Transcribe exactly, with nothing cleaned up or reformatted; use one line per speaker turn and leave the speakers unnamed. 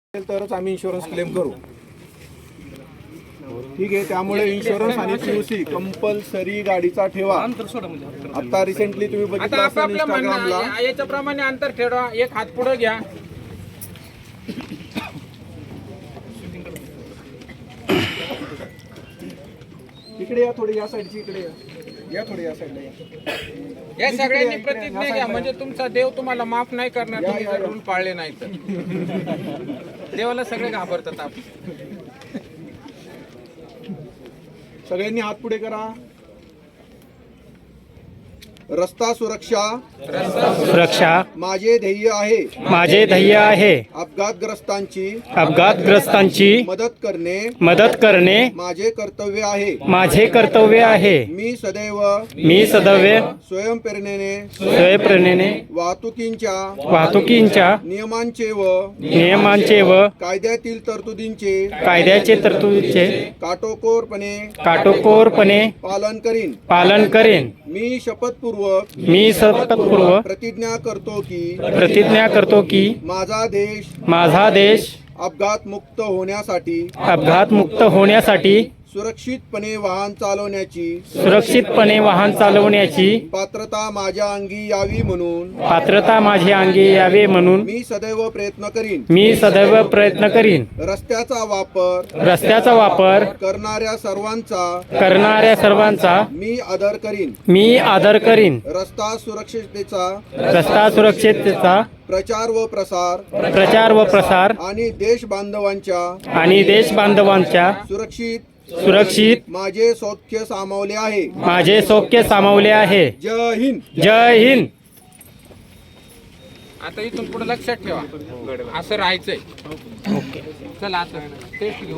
तरच आम्ही insurance claim करू. ठीक आहे. त्यामुळे इन्शुरन्स आणि पीयूसी कंपल्सरी गाडीचा ठेवा. आता रिसेंटली तुम्ही बघितलं असेल इंस्टाग्रामला,
याच्याप्रमाणे अंतर ठेवा. एक हात पुढे घ्या.
इकडे या थोडी, या साईडची इकडे या, या थोडी या साईडला या.
या सगळ्यांनी प्रतिज्ञा घ्या, म्हणजे तुमचा देव तुम्हाला माफ नाही करणार तुम्ही जर रूल पाळले नाही तर. देवाला सगळे घाबरतात. आपण
सगळ्यांनी हात पुढे करा. रस्ता सुरक्षा
सुरक्षा
माझे ध्येय आहे.
माझे ध्येय आहे.
अपघातग्रस्तांची
अपघातग्रस्तांची
मदत करणे
मदत करणे
माझे कर्तव्य आहे.
माझे कर्तव्य आहे.
मी सदैव
मी सदैव
स्वयंप्रेरणेने
स्वयंप्रेरणेने
वाहतुकींच्या
वाहतुकींच्या
नियमांचे व
नियमांचे व
कायद्यातील तरतुदींचे
कायद्याचे तरतुदीचे
काटेकोरपणे
काटेकोरपणे
पालन करीन.
पालन करेन.
मी शपथपूर्वक
मी शपथपूर्वक
प्रतिज्ञा करतो की
प्रतिज्ञा करतो की
माझा देश
माझा देश
अपघात मुक्त होण्यासाठी
अपघात मुक्त होण्यासाठी
सुरक्षितपणे वाहन चालवण्याची
सुरक्षितपणे वाहन चालवण्याची
पात्रता माझ्या अंगी यावी म्हणून
पात्रता माझ्या अंगी यावे म्हणून
मी सदैव प्रयत्न करीन.
मी सदैव प्रयत्न करीन.
रस्त्याचा वापर
रस्त्याचा वापर
करणाऱ्या सर्वांचा
करणाऱ्या सर्वांचा
मी आदर करीन.
मी आदर करीन.
रस्ता सुरक्षिततेचा
रस्ता सुरक्षिततेचा
प्रचार व प्रसार
प्रचार व प्रसार
आणि देश बांधवांच्या
आणि देश बांधवांच्या
सुरक्षित
सुरक्षित
माझे सौख्य सामावले आहे.
माझे सौख्य सामावले आहे.
जय हिंद.
जय हिंद.
आता इथून पुढे लक्षात ठेवा, असं राहायचंय. चला आता टेस्ट घेऊ.